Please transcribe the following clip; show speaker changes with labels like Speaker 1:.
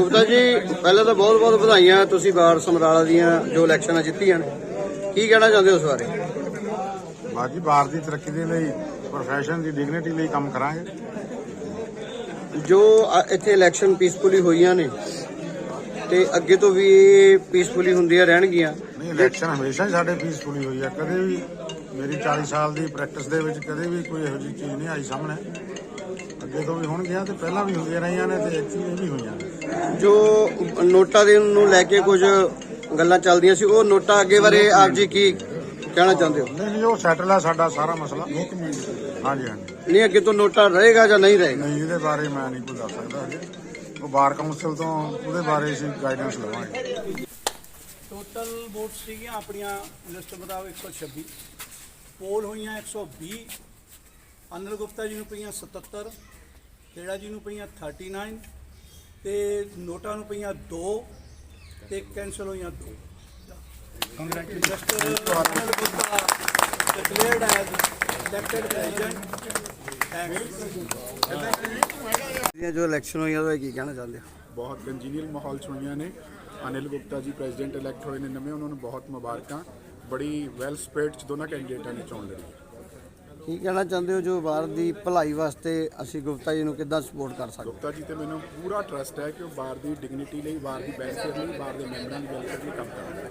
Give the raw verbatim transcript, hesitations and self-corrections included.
Speaker 1: ਗੁਪਤਾ ਜੀ ਪਹਿਲਾਂ ਤਾਂ ਬਹੁਤ ਬਹੁਤ ਵਧਾਈਆਂ, ਤੁਸੀਂ ਬਾਰ ਸਮਰਾਲਾ ਦੀਆਂ ਜੋ ਇਲੈਕਸ਼ਨਾਂ ਜਿੱਤੀਆਂ ਨੇ, ਕੀ ਕਹਿਣਾ ਚਾਹੁੰਦੇ ਹੋ ਉਸ ਬਾਰੇ?
Speaker 2: ਬਾਕੀ ਬਾਰ ਦੀ ਤਰੱਕੀ ਦੇ ਲਈ, ਪ੍ਰੋਫੈਸ਼ਨ ਦੀ ਡਿਗਨਿਟੀ ਲਈ ਕੰਮ ਕਰਾਂਗੇ।
Speaker 1: ਜੋ ਅ- ਇੱਥੇ ਇਲੈਕਸ਼ਨ ਪੀਸਫੁਲੀ ਹੋਈਆਂ ਨੇ ਤੇ ਅੱਗੇ ਤੋਂ ਵੀ ਇਹ ਪੀਸਫੁਲੀ ਹੁੰਦੀਆਂ ਰਹਿਣਗੀਆਂ।
Speaker 2: ਨਹੀਂ, ਇਲੈਕਸ਼ਨ ਹਮੇਸ਼ਾ ਹੀ ਸਾਡੇ ਪੀਸਫੁਲੀ ਹੋਈ ਹੈ। ਕਦੇ ਵੀ ਮੇਰੀ ਚਾਲੀ ਸਾਲ ਦੀ ਪ੍ਰੈਕਟਿਸ ਦੇ ਵਿੱਚ ਕਦੇ ਵੀ ਕੋਈ ਇਹੋ ਜਿਹੀ ਚੀਜ਼ ਨਹੀਂ ਆਈ ਸਾਹਮਣੇ। ਅੱਗੇ ਤੋਂ ਵੀ ਹੋਣਗੀਆਂ ਤੇ ਪਹਿਲਾਂ ਵੀ ਹੁੰਦੀਆਂ ਰਹੀਆਂ ਨੇ ਤੇ ਐਕਚੁਅਲੀ ਵੀ ਹੋਈਆਂ ਨੇ।
Speaker 1: ਜੋ ਨੋਟਾਂ ਦੇ ਨੂੰ ਲੈ ਕੇ ਕੁਝ ਗੱਲਾਂ ਚੱਲਦੀਆਂ ਸੀ, ਉਹ ਨੋਟਾਂ ਅੱਗੇ ਬਾਰੇ ਆਪ ਜੀ ਕੀ ਕਹਿਣਾ ਚਾਹੁੰਦੇ ਹੋ?
Speaker 2: ਨਹੀਂ ਨਹੀਂ, ਉਹ ਸੈਟਲ ਹੈ ਸਾਡਾ ਸਾਰਾ ਮਸਲਾ। ਹਾਂਜੀ ਹਾਂਜੀ।
Speaker 1: ਨਹੀਂ, ਅੱਗੇ ਤੋਂ ਨੋਟਾ ਰਹੇਗਾ ਜਾਂ ਨਹੀਂ ਰਹੇਗਾ?
Speaker 2: ਨਹੀਂ, ਇਹਦੇ ਬਾਰੇ ਮੈਂ ਨਹੀਂ ਕੋਈ ਦੱਸ ਸਕਦਾ ਹਜੇ। ਉਹ ਬਾਰ ਕਾਉਂਸਲ ਤੋਂ ਉਹਦੇ ਬਾਰੇ ਅਸੀਂ ਗਾਈਡੈਂਸ ਲਵਾਂਗੇ।
Speaker 3: ਟੋਟਲ ਵੋਟ ਸੀਗੀਆਂ ਆਪਣੀਆਂ ਲਿਸਟ ਮੁਤਾਬਕ ਇੱਕ ਸੌ ਛੱਬੀ, ਪੋਲ ਹੋਈਆਂ ਇੱਕ ਸੌ ਵੀਹ, ਅਨਿਲ ਗੁਪਤਾ ਜੀ ਨੂੰ ਪਈਆਂ ਸਤੱਤਰ, ਖੇੜਾ ਜੀ ਨੂੰ ਪਈਆਂ ਉਨਤਾਲੀ ਤੇ ਨੋਟਾਂ ਨੂੰ ਪਈਆਂ ਦੋ ਤੇ ਕੈਂਸਲ ਹੋਈਆਂ ਦੋ। Congratulation, Anil Gupta declared as elected president.
Speaker 1: ਜੋ ਇਲੈਕਸ਼ਨ ਹੋਈਆਂ ਉਹਦਾ ਕੀ ਕਹਿਣਾ ਚਾਹੁੰਦੇ ਹੋ?
Speaker 4: ਬਹੁਤ ਕੰਜੀਨੀਅਲ ਮਾਹੌਲ 'ਚ ਹੋਈਆਂ ਨੇ। ਅਨਿਲ ਗੁਪਤਾ ਜੀ ਪ੍ਰੈਜ਼ੀਡੈਂਟ ਇਲੈਕਟ ਹੋਏ ਨੇ ਨਵੇਂ, ਉਹਨਾਂ ਨੂੰ ਬਹੁਤ ਮੁਬਾਰਕਾਂ। ਬੜੀ ਵੈਲ ਸਪੇਡ 'ਚ ਦੋਨਾਂ ਕੈਂਡੀਡੇਟਾਂ ਨੇ ਚੋਣ ਲੜੀ।
Speaker 1: ਕੀ ਕਹਿਣਾ ਚਾਹੁੰਦੇ ਹੋ ਜੋ ਬਾਹਰ ਦੀ ਭਲਾਈ ਵਾਸਤੇ ਅਸੀਂ ਗੁਪਤਾ ਜੀ ਨੂੰ ਕਿੱਦਾਂ ਸਪੋਰਟ ਕਰ ਸਕਦੇ?
Speaker 4: ਗੁਪਤਾ ਜੀ ਤੇ ਮੈਨੂੰ ਪੂਰਾ ਟਰਸਟ ਹੈ ਕਿ ਉਹ ਬਾਰ ਦੀ ਡਿਗਨਿਟੀ ਲਈ, ਬਾਰ ਦੀ ਬੈਨੀਫਿਟ ਲਈ, ਬਾਰ ਦੇ ਮੈਂਬਰਾਂ ਦੀ ਵੈਲਫੇਅਰ ਲਈ ਕੰਮ ਕਰਨਗੇ।